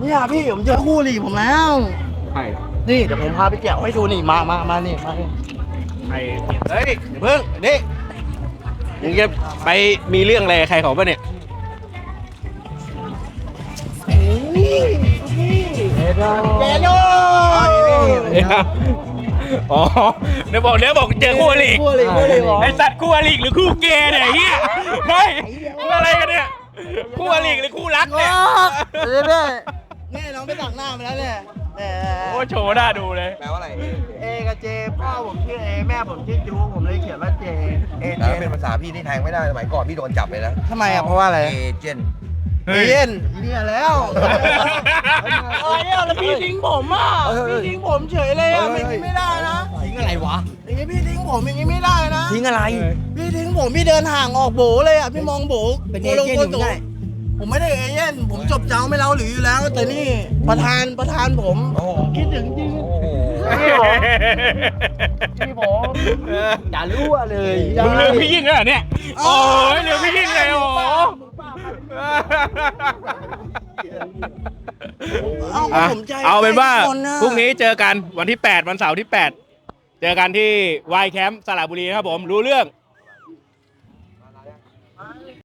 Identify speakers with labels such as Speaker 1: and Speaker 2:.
Speaker 1: เนี่ยพี่ผมเจอคู่หลีผมแล้ว
Speaker 2: ใช่
Speaker 1: นี่เดี๋ยวผมพาไปแกะให้ดูนี่มานี่มานี่
Speaker 2: ใครเฮ้ยเดี๋ยวเพิ่งนี่มึงจะไปมีเรื่องอะไรกับใครเขาปะเนี่ย
Speaker 1: เจโด
Speaker 2: อ๋อเดี๋ยวบอกเจอคู่อริ
Speaker 1: คู่หลีเหรอ
Speaker 2: ไอสัตว์คู่อริหรือคู่เกย์เนี่ยไอ้เฮียเฮ้ยคู่อะไรกันเนี่ยคู่อริหรือคู่รักเนี่ย
Speaker 1: นี่น้องไปตักหน้ามาแล้วเนี่ย
Speaker 2: โอ้โชว์หน้าดูเลย
Speaker 3: แปลว่าอะไร
Speaker 1: เอกับเจพ่อผมชื่อเอแม่ผมชื่อจูผมเลยเขียนว่าเจเอเจ
Speaker 3: แต่ถ้าเป็นภาษาพี่นี่แทงไม่ได้สมัยก่อนพี่โดนจับเลยนะ
Speaker 1: ทำไมอ่ะเพราะว่าอะไร
Speaker 3: เอเจนต์
Speaker 1: เอเย็นเนี่ยแล้วเนี่ยแล้วพี่ทิ้งผมอ่ะพี่ทิ้งผมเฉยเลยอ่ะอย่างนี้ไม่ได้นะ
Speaker 3: ทิ้งอะไรวะ
Speaker 1: อย่างนี้พี่ทิ้งผมอย่างนี้ไม่ได้นะ
Speaker 3: ทิ้งอะไร
Speaker 1: พี่ทิ้งผมพี่เดินห่างออกโบเลยอ่ะพี่มองโบ
Speaker 3: เป็นเอเจนต์อยู่ไง
Speaker 1: ผมไม่ได้เอเย่นผมจบเจ้าไม่เล่าหรืออยู่แล้ว แต่นี่ประธานผม
Speaker 3: โอ้โห
Speaker 1: คิดถึงจริง
Speaker 3: โอ้โห
Speaker 1: พี่ผมอย่ารั่วเลย
Speaker 2: มึงลืมพี่ยิ่งแล้วเหรอเนี่ยโอ้ยลืมพี่ยิ่งเลยโอ้โห เอาเป็นว่าพรุ่งนี้เจอกันวันที่ 8 วันเสาร์ที่ 8 เจอกันที่วายแคมป์สระบุรีนะครับผมรู้เรื่อง